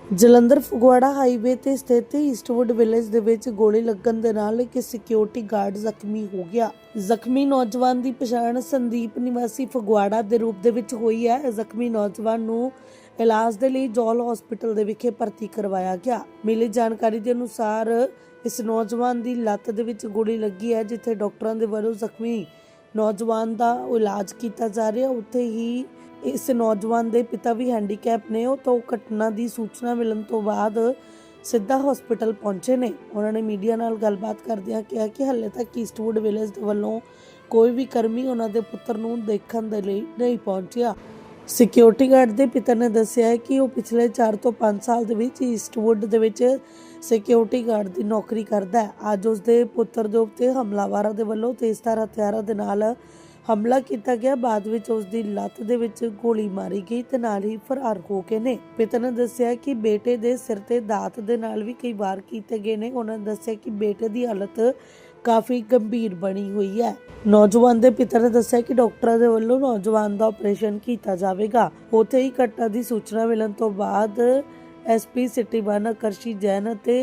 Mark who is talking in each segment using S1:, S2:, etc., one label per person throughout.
S1: Jalandhar Phagwara highway ਤੇ ਸਥਿਤ Eastwood village ਦੇ ਵਿੱਚ ਗੋਲੀ ਲੱਗਣ ਦੇ ਨਾਲ ਇੱਕ ਸਿਕਿਉਰਿਟੀ ਗਾਰਡ ਜ਼ਖਮੀ ਹੋ ਗਿਆ। ਜ਼ਖਮੀ ਨੌਜਵਾਨ ਦੀ ਪਛਾਣ ਸੰਦੀਪ ਨਿਵਾਸੀ ਫਗਵਾੜਾ ਦੇ ਰੂਪ ਦੇ ਵਿੱਚ ਹੋਈ ਹੈ। ਜ਼ਖਮੀ ਨੌਜਵਾਨ ਨੂੰ ਇਲਾਜ ਦੇ ਲਈ ਜੌਲ ਹਸਪੀਟਲ ਦੇ ਵਿਖੇ ਭਰਤੀ ਕਰਵਾਇਆ ਗਿਆ। ਮਿਲੀ ਜਾਣਕਾਰੀ ਦੇ ਅਨੁਸਾਰ ਇਸ ਨੌਜਵਾਨ ਦੀ ਲੱਤ ਦੇ ਵਿੱਚ ਗੋਲੀ ਲੱਗੀ ਹੈ, ਜਿੱਥੇ ਡਾਕਟਰਾਂ ਦੇ ਵੱਲੋਂ ਜ਼ਖਮੀ ਨੌਜਵਾਨ ਦਾ ਇਲਾਜ ਕੀਤਾ ਜਾ ਰਿਹਾ। ਉੱਥੇ ਹੀ ਇਸ ਨੌਜਵਾਨ ਦੇ ਪਿਤਾ ਵੀ ਹੈਂਡੀਕੈਪ ਨੇ। ਉਹ ਤੋਂ ਘਟਨਾ ਦੀ ਸੂਚਨਾ ਮਿਲਣ ਤੋਂ ਬਾਅਦ ਸਿੱਧਾ ਹਸਪੀਟਲ ਪਹੁੰਚੇ ਨੇ। ਉਹਨਾਂ ਨੇ ਮੀਡੀਆ ਨਾਲ ਗੱਲਬਾਤ ਕਰਦਿਆਂ ਕਿਹਾ ਕਿ ਹਾਲੇ ਤੱਕ ਈਸਟਵੁੱਡ ਵਿਲੇਜ ਦੇ ਵੱਲੋਂ ਕੋਈ ਵੀ ਕਰਮੀ ਉਹਨਾਂ ਦੇ ਪੁੱਤਰ ਨੂੰ ਦੇਖਣ ਦੇ ਲਈ ਨਹੀਂ ਪਹੁੰਚਿਆ। ਸਿਕਿਉਰਿਟੀ ਗਾਰਡ ਦੇ ਪਿਤਾ ਨੇ ਦੱਸਿਆ ਹੈ ਕਿ ਉਹ ਪਿਛਲੇ 4 ਤੋਂ 5 ਸਾਲ ਦੇ ਵਿੱਚ ਈਸਟਵੁੱਡ ਦੇ ਵਿੱਚ ਸਿਕਿਉਰਿਟੀ ਗਾਰਡ ਦੀ ਨੌਕਰੀ ਕਰਦਾ ਹੈ। ਅੱਜ ਉਸ ਦੇ ਪੁੱਤਰ ਦੇ ਉੱਤੇ ਹਮਲਾਵਰਾਂ ਦੇ ਵੱਲੋਂ ਤੇਜ਼ਧਾਰ ਹਥਿਆਰਾਂ ਦੇ ਨਾਲ ਹਮਲਾ ਕੀਤਾ ਗਿਆ। ਬਾਅਦ ਵਿੱਚ ਉਸ ਦੀ ਲੱਤ ਦੇ ਵਿੱਚ ਗੋਲੀ ਮਾਰੀ ਗਈ ਤੇ ਨਾਲ ਹੀ ਫਰਾਰ ਹੋ ਗਏ ਨੇ। ਪਿਤਾ ਨੇ ਦੱਸਿਆ ਕਿ ਬੇਟੇ ਦੇ ਸਿਰ ਤੇ ਦਾਤ ਦੇ ਨਾਲ ਵੀ ਕਈ ਵਾਰ ਕੀਤੇ ਗਏ ਨੇ। ਉਹਨਾਂ ਨੇ ਦੱਸਿਆ ਕਿ ਬੇਟੇ ਦੀ ਹਾਲਤ ਕਾਫੀ ਗੰਭੀਰ ਬਣੀ ਹੋਈ ਹੈ। ਨੌਜਵਾਨ ਦੇ ਪਿਤਾ ਨੇ ਦੱਸਿਆ ਕਿ ਡਾਕਟਰਾਂ ਦੇ ਵੱਲੋਂ ਨੌਜਵਾਨ ਦਾ ਆਪਰੇਸ਼ਨ ਕੀਤਾ ਜਾਵੇਗਾ। ਉੱਥੇ ਹੀ ਘਟਨਾ ਦੀ ਸੂਚਨਾ ਮਿਲਣ ਤੋਂ ਬਾਅਦ ਐਸਪੀ ਸਿਟੀ 1 ਆਕਰਸ਼ੀ ਜੈਨ ਅਤੇ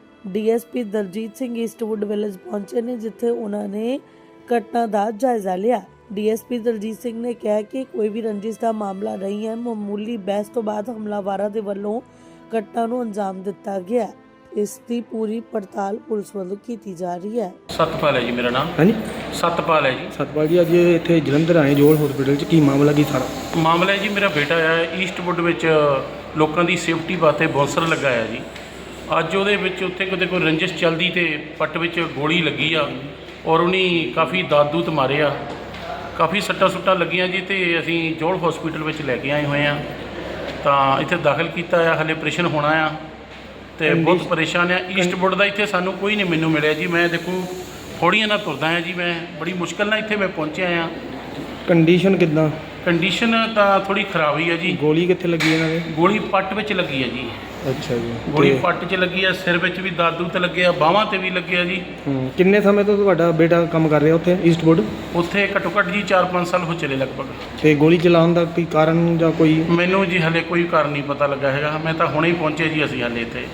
S1: DSP Daljit Singh Eastwood village ਪਹੁੰਚੇ ਨੇ, ਜਿੱਥੇ ਉਹਨਾਂ ਨੇ ਘਟਨਾ ਦਾ ਜਾਇਜ਼ਾ ਲਿਆ। ਡੀਐਸਪੀ ਦਲਜੀਤ ਸਿੰਘ ਨੇ ਕਿਹਾ ਕਿ ਕੋਈ ਵੀ ਰੰਜਿਸ਼ ਦਾ ਮਾਮਲਾ ਨਹੀਂ ਹੈ। ਮਾਮੂਲੀ ਬਹਿਸ ਤੋਂ ਬਾਅਦ ਹਮਲਾਵਰਾਂ ਦੇ ਵੱਲੋਂ ਘਟਨਾ ਨੂੰ ਅੰਜਾਮ ਦਿੱਤਾ ਗਿਆ। ਇਸ ਦੀ ਪੂਰੀ ਪੜਤਾਲ ਪੁਲਿਸ ਵੱਲੋਂ ਕੀਤੀ ਜਾ ਰਹੀ ਹੈ।
S2: ਸਤਪਾਲ ਹੈ ਜੀ ਮੇਰਾ ਨਾਮ।
S3: ਹਾਂਜੀ
S2: ਸਤਪਾਲ ਹੈ ਜੀ।
S3: ਸਤਪਾਲ ਜੀ, ਅੱਜ ਇੱਥੇ ਜਲੰਧਰ ਆਏ ਜੋਲ ਹਸਪੀਟਲ 'ਚ, ਕੀ ਮਾਮਲਾ ਕੀ ਸਾਰਾ?
S2: ਮਾਮਲਾ ਹੈ ਜੀ, ਮੇਰਾ ਬੇਟਾ ਹੈ ਈਸਟਵੁੱਡ ਵਿੱਚ ਲੋਕਾਂ ਦੀ ਸੇਫਟੀ ਵਾਸਤੇ ਬੌਂਸਰ ਲਗਾਇਆ ਜੀ। ਅੱਜ ਉਹਦੇ ਵਿੱਚ ਉੱਥੇ ਕਿਤੇ ਕੋਈ ਰੰਜਿਸ਼ ਚੱਲਦੀ ਤੇ ਪੱਟ ਵਿੱਚ ਗੋਲੀ ਲੱਗੀ ਆ ਔਰ ਉਹਨੇ ਕਾਫੀ ਦਾਦੂਤ ਮਾਰੇ ਆ, ਕਾਫੀ ਸੱਟਾਂ ਸੁੱਟਾਂ ਲੱਗੀਆਂ ਜੀ। ਤੇ ਅਸੀਂ ਜੋਲ ਹਸਪੀਟਲ ਵਿੱਚ ਲੈ ਕੇ ਆਏ ਹੋਏ ਆ, ਤਾਂ ਇੱਥੇ ਦਾਖਲ ਕੀਤਾ ਆ। ਹਲੇ ਆਪਰੇਸ਼ਨ ਹੋਣਾ ਆ ਤੇ ਬਹੁਤ ਪਰੇਸ਼ਾਨ ਆ। ਈਸਟਵੁੱਡ ਦਾ ਇੱਥੇ ਸਾਨੂੰ ਕੋਈ ਨਹੀਂ ਮੈਨੂੰ ਮਿਲਿਆ ਜੀ। ਮੈਂ ਦੇਖੋ ਥੋੜ੍ਹੀਆਂ ਨਾਲ ਤੁਰਦਾ ਆ ਜੀ, ਮੈਂ ਬੜੀ ਮੁਸ਼ਕਿਲ ਨਾਲ ਇੱਥੇ ਮੈਂ ਪਹੁੰਚਿਆ ਆ।
S3: ਕੰਡੀਸ਼ਨ ਕਿੱਦਾਂ?
S2: ਕੰਡੀਸ਼ਨ ਤਾਂ ਥੋੜੀ ਖਰਾਬ ਹੀ ਹੈ ਜੀ।
S3: ਗੋਲੀ ਕਿੱਥੇ ਲੱਗੀ ਇਹਨਾਂ ਦੇ?
S2: ਗੋਲੀ ਪੱਟ ਵਿੱਚ ਲੱਗੀ ਹੈ ਜੀ।
S3: ਅੱਛਾ ਜੀ।
S2: ਗੋਲੀ ਪੱਟ 'ਚ ਲੱਗੀ ਹੈ, ਸਿਰ ਵਿੱਚ ਵੀ ਦਾਦੂ ਤੇ ਲੱਗੇ ਆ, ਬਾਹਾਂ ਤੇ ਵੀ ਲੱਗੇ ਆ ਜੀ।
S3: ਕਿੰਨੇ ਸਮੇਂ ਤੋਂ ਤੁਹਾਡਾ ਬੇਟਾ ਕੰਮ ਕਰ ਰਿਹਾ ਉੱਥੇ ਈਸਟਵੁੱਡ?
S2: ਉੱਥੇ ਘੱਟੋ ਘੱਟ ਜੀ 4-5 ਸਾਲ ਹੋ ਚਲੇ ਲਗਭਗ।
S3: ਤੇ ਗੋਲੀ ਚਲਾਉਣ ਦਾ ਕੋਈ ਕਾਰਨ ਜਾਂ ਕੋਈ?
S2: ਮੈਨੂੰ ਜੀ ਹਲੇ ਕੋਈ ਕਾਰਨ ਨਹੀਂ ਪਤਾ ਲੱਗਾ ਹੈਗਾ। ਮੈਂ ਤਾਂ ਹੁਣੇ ਹੀ ਪਹੁੰਚੇ ਜੀ ਅਸੀਂ ਹਲੇ ਇੱਥੇ।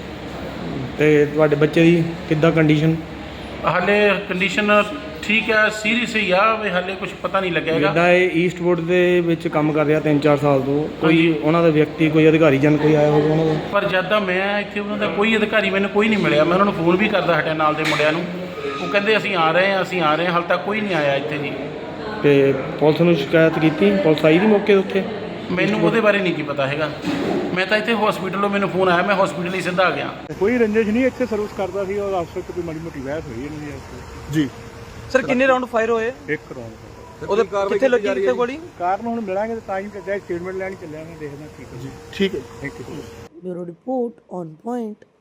S3: ਤੇ ਤੁਹਾਡੇ ਬੱਚੇ ਦੀ ਕਿੱਦਾਂ ਕੰਡੀਸ਼ਨ?
S2: ਹਲੇ ਕੰਡੀਸ਼ਨ ਠੀਕ ਹੈ, ਸੀਰੀਅਸ ਹੀ ਆ ਵੀ ਹਲੇ ਕੁਝ ਪਤਾ ਨਹੀਂ ਲੱਗਿਆ ਹੈਗਾ।
S3: ਜਿੱਦਾਂ ਇਹ ਈਸਟਵੁੱਡ ਦੇ ਵਿੱਚ ਕੰਮ ਕਰ ਰਿਹਾ 3-4 ਸਾਲ ਤੋਂ, ਕੋਈ
S2: ਹਾਂਜੀ।
S3: ਉਹਨਾਂ ਦਾ ਵਿਅਕਤੀ, ਕੋਈ ਅਧਿਕਾਰੀ ਜਨ ਕੋਈ ਆਇਆ ਹੋਵੇ ਉਹਨਾਂ ਦਾ?
S2: ਪਰ ਜਦ ਦਾ ਮੈਂ ਇੱਥੇ ਉਹਨਾਂ ਦਾ ਕੋਈ ਅਧਿਕਾਰੀ ਮੈਨੂੰ ਕੋਈ ਨਹੀਂ ਮਿਲਿਆ। ਮੈਂ ਉਹਨਾਂ ਨੂੰ ਫੋਨ ਵੀ ਕਰਦਾ ਹਟਿਆ ਨਾਲ ਦੇ ਮੁੰਡਿਆਂ ਨੂੰ, ਉਹ ਕਹਿੰਦੇ ਅਸੀਂ ਆ ਰਹੇ ਹਾਂ, ਅਸੀਂ ਆ ਰਹੇ ਹਾਂ। ਹਾਲੇ ਤੱਕ ਕੋਈ ਨਹੀਂ ਆਇਆ ਇੱਥੇ ਜੀ।
S3: ਤੇ ਪੁਲਿਸ ਨੂੰ ਸ਼ਿਕਾਇਤ ਕੀਤੀ? ਪੁਲਿਸ ਆਈ ਦੀ ਮੌਕੇ ਉੱਤੇ?
S2: ਮੈਨੂੰ ਉਹਦੇ ਬਾਰੇ ਨਹੀਂ ਕੀ ਪਤਾ ਹੈਗਾ। ਮੈਂ ਤਾਂ ਇੱਥੇ ਹਸਪੀਟਲੋਂ ਮੈਨੂੰ ਫੋਨ ਆਇਆ, ਮੈਂ ਹਸਪੀਟਲ ਹੀ ਸਿੱਧਾ ਆ ਗਿਆ।
S4: ਕੋਈ ਰੰਜਿਸ਼ ਨਹੀਂ, ਇੱਥੇ ਸਰਵਿਸ ਕਰਦਾ ਸੀ ਔਰ ਅਫਸਰ ਤੋਂ ਕੋਈ ਮਾੜੀ ਮੋਟੀ ਬਹਿਸ ਹੋਈ ਇਹਨਾਂ ਦੀ ਜੀ।
S5: ਸਰ ਕਿੰਨੇ ਰਾਉਂਡ ਫਾਇਰ ਹੋਏ?
S4: ਇੱਕ ਰੌਂਡ
S5: ਉਹਦੇ ਕਿੱਥੇ ਲੱਗੀ ਕਿੱਥੇ ਗੋਲੀ?
S4: ਕਾਰਨ ਹੁਣ ਮਿਲਾਂਗੇ ਤਾਂ ਹੀ ਜਾਇ ਸਟੇਟਮੈਂਟ ਲੈਣ ਚੱਲਿਆ ਮੈਂ, ਦੇਖਦਾ ਠੀਕ ਹੈ ਜੀ। ਠੀਕ ਹੈ, thank you.
S1: Bureau report on point.